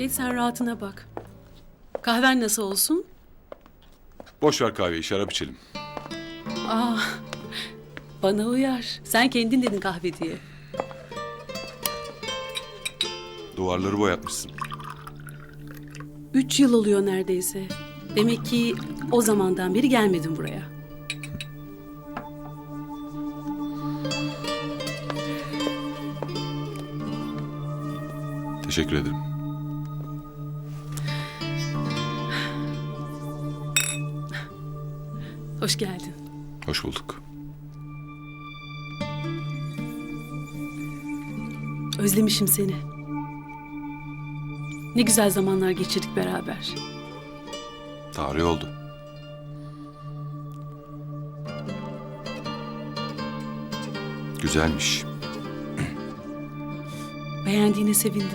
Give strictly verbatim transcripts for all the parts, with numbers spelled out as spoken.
Geç sen rahatına bak. Kahven nasıl olsun? Boş ver kahveyi, şarap içelim. Aa, bana uyar. Sen kendin dedin kahve diye. Duvarları boyatmışsın. Üç yıl oluyor neredeyse. Demek ki o zamandan beri gelmedim buraya. Teşekkür ederim. Hoş geldin. Hoş bulduk. Özlemişim seni. Ne güzel zamanlar geçirdik beraber. Tarih oldu. Güzelmiş. Beğendiğine sevindim.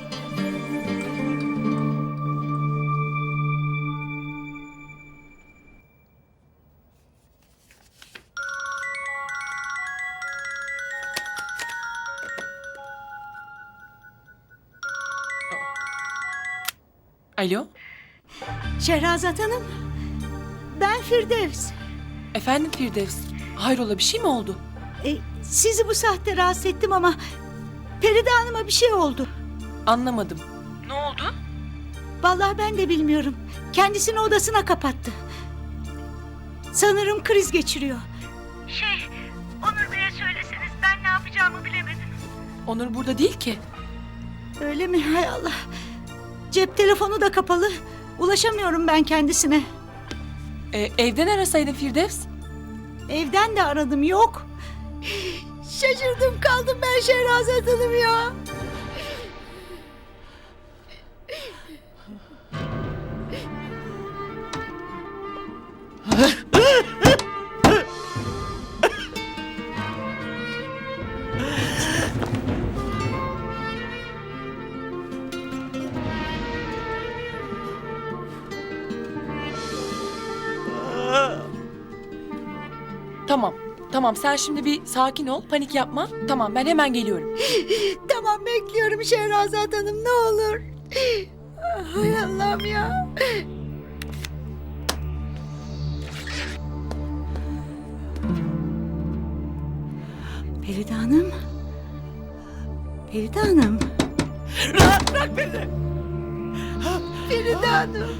Alo, Şehrazat Hanım, ben Firdevs. efendim Firdevs. Hayrola bir şey mi oldu? E, sizi bu saatte rahatsız ettim ama Feride Hanım'a bir şey oldu. Anlamadım. Ne oldu? Vallahi ben de bilmiyorum. Kendisini odasına kapattı. Sanırım kriz geçiriyor. Şey, Onur Bey'e söyleseniz ben ne yapacağımı bilemedim. Onur burada değil ki. Öyle mi? Hay Allah. Cep telefonu da kapalı. Ulaşamıyorum ben kendisine. Ee, evden arasaydın Firdevs. Evden de aradım, yok. Şaşırdım kaldım ben Şehrazat Hanım ya. Tamam, tamam sen şimdi bir sakin ol, panik yapma. Tamam ben hemen geliyorum. Tamam bekliyorum Şehrazat Hanım, ne olur. Hay Allah'ım ya. Feride Hanım. Feride Hanım. Rahat bırak beni. Feride Hanım.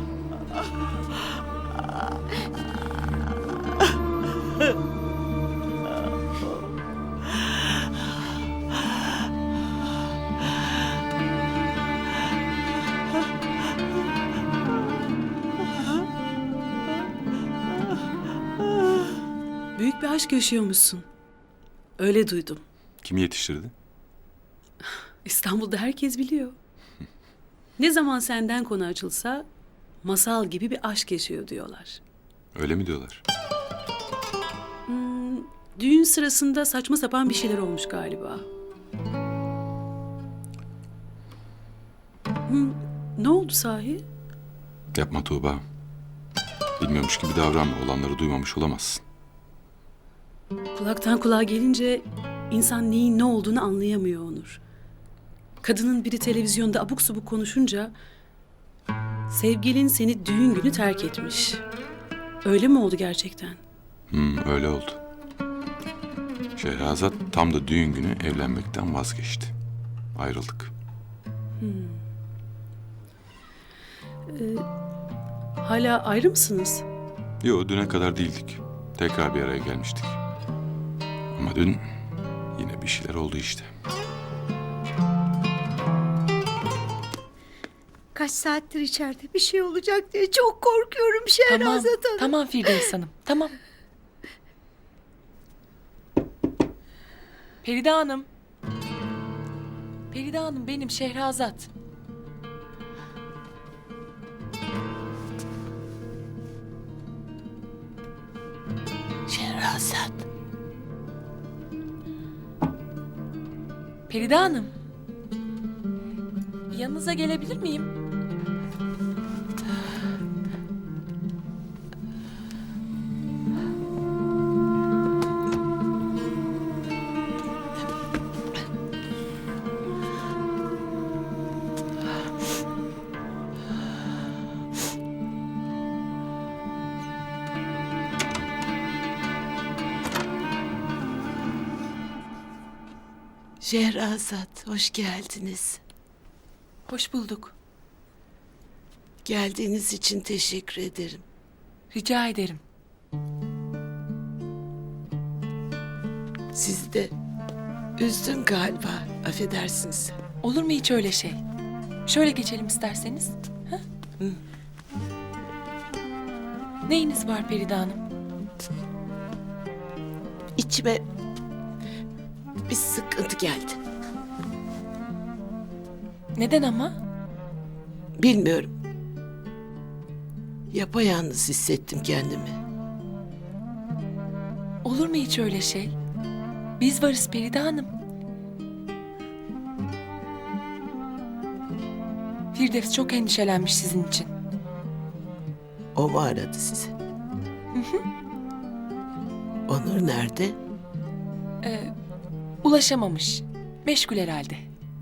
Büyük bir aşk yaşıyormuşsun. Öyle duydum. Kim yetiştirdi? İstanbul'da herkes biliyor. Ne zaman senden konu açılsa masal gibi bir aşk yaşıyor diyorlar. Öyle mi diyorlar? Hmm, düğün sırasında saçma sapan bir şeyler olmuş galiba. Hmm, ne oldu sahi? Yapma Tuğba. Bilmiyormuş gibi davranma. Olanları duymamış olamazsın. Kulaktan kulağa gelince insan neyin ne olduğunu anlayamıyor Onur. Kadının biri televizyonda abuk subuk konuşunca sevgilin seni düğün günü terk etmiş. Öyle mi oldu gerçekten? Hmm, öyle oldu. Şehrazat tam da düğün günü evlenmekten vazgeçti. Ayrıldık. Hala ayrı mısınız? Yo, düne kadar değildik. Tekrar bir araya gelmiştik. Ama dün yine bir şeyler oldu işte. Kaç saattir içeride bir şey olacak diye çok korkuyorum Şehrazat Tamam, Hanım. tamam Firdevs Hanım, tamam. Feride Hanım. Feride Hanım benim Şehrazat. Şehrazat. Feride Hanım. Yanınıza gelebilir miyim? Şehrazat, hoş geldiniz. Hoş bulduk. Geldiğiniz için teşekkür ederim. Rica ederim. Sizi de üzdüm galiba, affedersiniz. Olur mu hiç öyle şey? Şöyle geçelim isterseniz. Ha? Hı. Neyiniz var Feride Hanım? İçime bir sıkıntı geldi. Neden ama? Bilmiyorum. Yapayalnız hissettim kendimi. Olur mu hiç öyle şey? Biz varız Feride Hanım. Firdevs çok endişelenmiş sizin için. O mu aradı sizi? Onur nerede? Ee, ulaşamamış. Meşgul herhalde.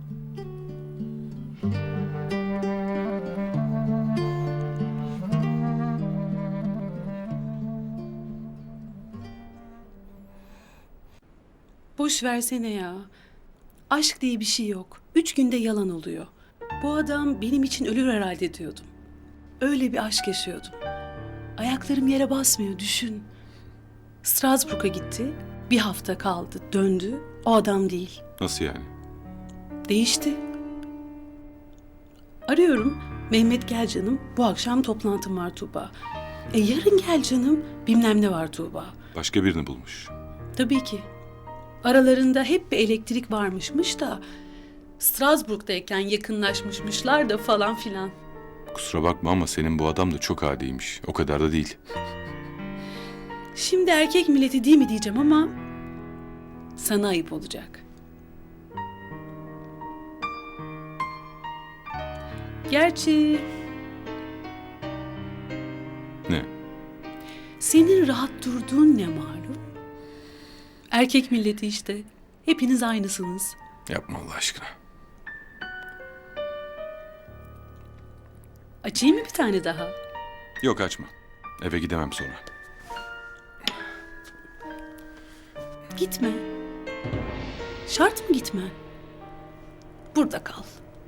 Boş versene ya. Aşk diye bir şey yok. Üç günde yalan oluyor. Bu adam benim için ölür herhalde diyordum. Öyle bir aşk yaşıyordum. Ayaklarım yere basmıyor, düşün. Strasbourg'a gitti. Bir hafta kaldı, döndü. O adam değil. Nasıl yani? Değişti. Arıyorum. Mehmet gel canım. Bu akşam toplantım var Tuğba. E yarın gel canım. Bilmem ne var Tuğba. Başka birini bulmuş. Tabii ki. Aralarında hep bir elektrik varmışmış da Strasbourg'dayken yakınlaşmışmışlar da falan filan. Kusura bakma ama senin bu adam da çok adiymiş. O kadar da değil. Şimdi erkek milleti değil mi diyeceğim ama sana ayıp olacak. Gerçi Ne? senin rahat durduğun ne malum? Erkek milleti işte. Hepiniz aynısınız. Yapma Allah aşkına. Açayım mı bir tane daha? Yok açma. Eve gidemem sonra. Gitme. Şart mı gitme? Burada kal.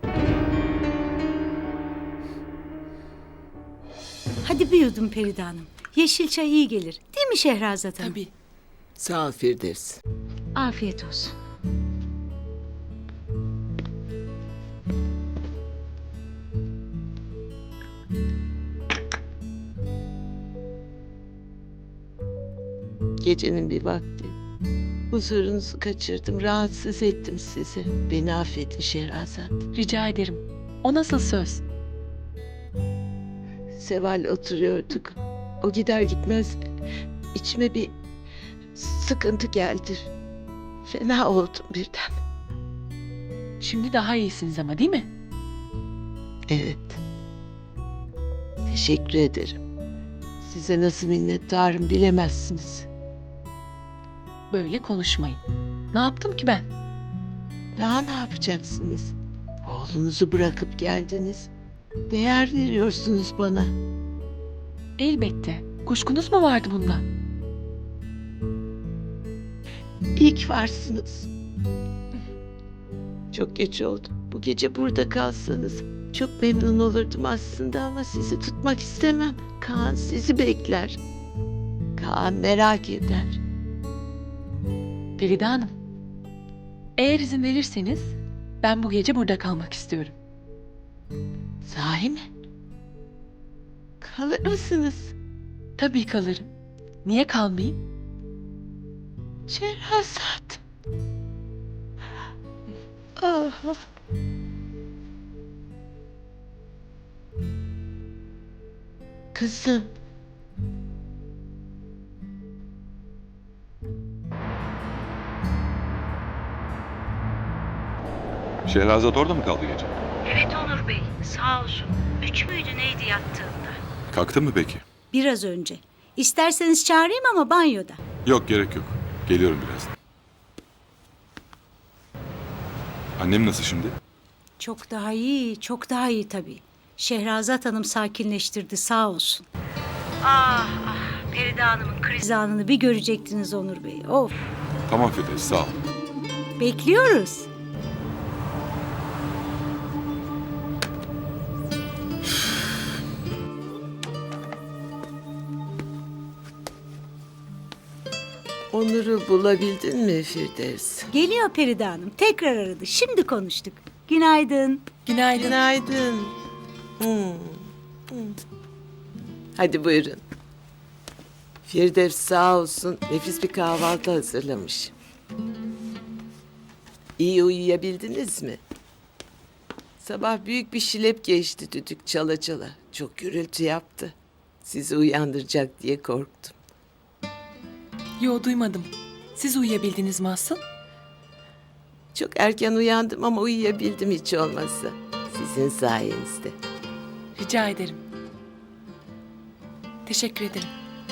Hadi bir yudum Feride Hanım. Yeşil çay iyi gelir. Değil mi Şehrazat Hanım? Tabii. Sağ ol Firdevs. Afiyet olsun. Gecenin bir vakti. Huzurunuzu kaçırdım, rahatsız ettim sizi. Beni affedin Şehrazat. Rica ederim. O nasıl söz? Seval oturuyorduk. O gider gitmez içime bir sıkıntı geldi. Fena oldum birden. Şimdi daha iyisiniz ama değil mi? Evet. Teşekkür ederim. Size nasıl minnettarım bilemezsiniz. Böyle konuşmayın. Ne yaptım ki ben? Daha ne yapacaksınız? Oğlunuzu bırakıp geldiniz. Değer veriyorsunuz bana. Elbette. Kuşkunuz mu vardı bundan? İyi ki varsınız. Çok geç oldu. Bu gece burada kalsanız çok memnun olurdum aslında ama sizi tutmak istemem. Kaan sizi bekler. Kaan merak eder. Feride Hanım. Eğer izin verirseniz ben bu gece burada kalmak istiyorum. Sahi mi? Kalır mısınız? Tabii kalırım. Niye kalmayayım? Şehrazat. Ah. Kızım. Şehrazat orada mı kaldı gece? Evet Onur Bey, sağ olsun. Üç müydü neydi yattığında? Kalktı mı peki? Biraz önce. İsterseniz çağırayım ama banyoda. Yok gerek yok. Geliyorum birazdan. Annem nasıl şimdi? Çok daha iyi, çok daha iyi tabii. Şehrazat Hanım sakinleştirdi sağ olsun. Ah ah, Feride Hanım'ın kriz anını bir görecektiniz Onur Bey. Of, Tamam Firdevs sağ ol. bekliyoruz. Onur'u bulabildin mi Firdevs? Geliyor Peride Hanım. Tekrar aradı. Şimdi konuştuk. Günaydın. Günaydın. Günaydın. Hmm, hmm. Hadi buyurun. Firdevs sağ olsun nefis bir kahvaltı hazırlamış. İyi uyuyabildiniz mi? Sabah büyük bir şilep geçti düdük çala çala. Çok gürültü yaptı. Sizi uyandıracak diye korktum. Yo, duymadım. Siz uyuyabildiniz mi asıl? Çok erken uyandım ama uyuyabildim hiç olmazsa. Sizin sayenizde. Rica ederim. Teşekkür ederim.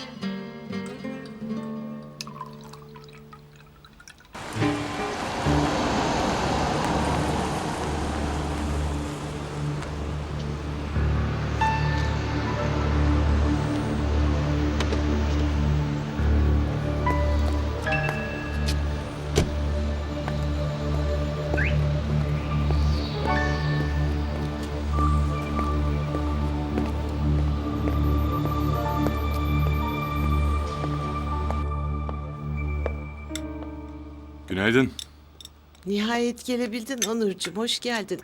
Günaydın. Nihayet gelebildin Onurcuğum. Hoş geldin.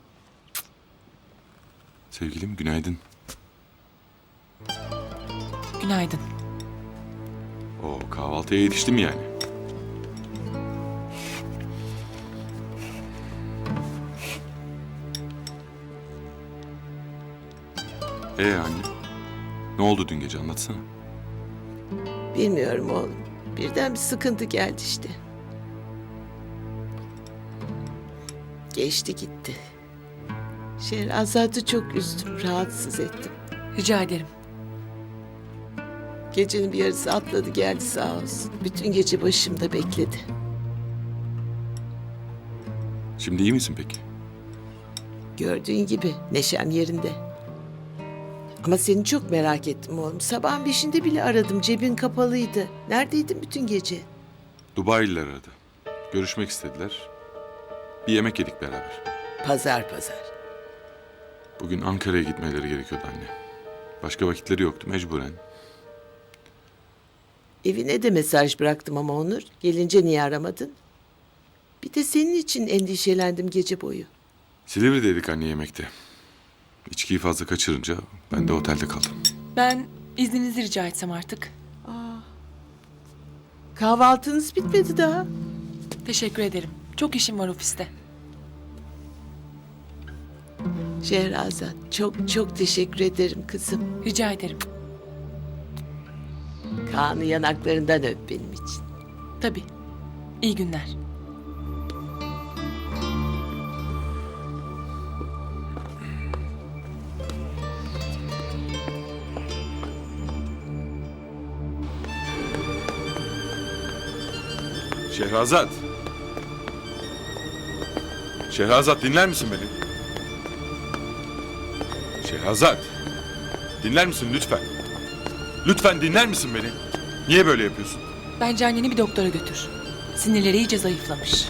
Sevgilim günaydın. Günaydın. O kahvaltıya yetiştim yani. Ee anne? Ne oldu dün gece anlatsana. Bilmiyorum oğlum. Birden bir sıkıntı geldi işte. Geçti gitti. Şehrazat'ı çok üzdüm, rahatsız ettim. Rica ederim. Gecenin bir yarısı atladı geldi sağ olsun. Bütün gece başımda bekledi. Şimdi iyi misin peki? Gördüğün gibi neşem yerinde. Ama seni çok merak ettim oğlum. Sabahın beşinde bile aradım. Cebin kapalıydı. Neredeydin bütün gece? Dubai'liler aradı. Görüşmek istediler. Bir yemek yedik beraber. Pazar pazar. Bugün Ankara'ya gitmeleri gerekiyordu anne. Başka vakitleri yoktu mecburen. Evine de mesaj bıraktım ama Onur. Gelince niye aramadın? Bir de senin için endişelendim gece boyu. Silivri'deydik anne yemekte. İçkiyi fazla kaçırınca ben de otelde kaldım. Ben izninizi rica etsem artık. Kahvaltınız bitmedi daha. Teşekkür ederim. Çok işim var ofiste. Şehrazat çok çok teşekkür ederim kızım. Rica ederim. Kaan'ı yanaklarından öp benim için. Tabii. İyi günler. Şehrazat. Şehrazat dinler misin beni? Şehrazat. Dinler misin lütfen? Lütfen dinler misin beni? Niye böyle yapıyorsun? Bence anneni bir doktora götür. Sinirleri iyice zayıflamış.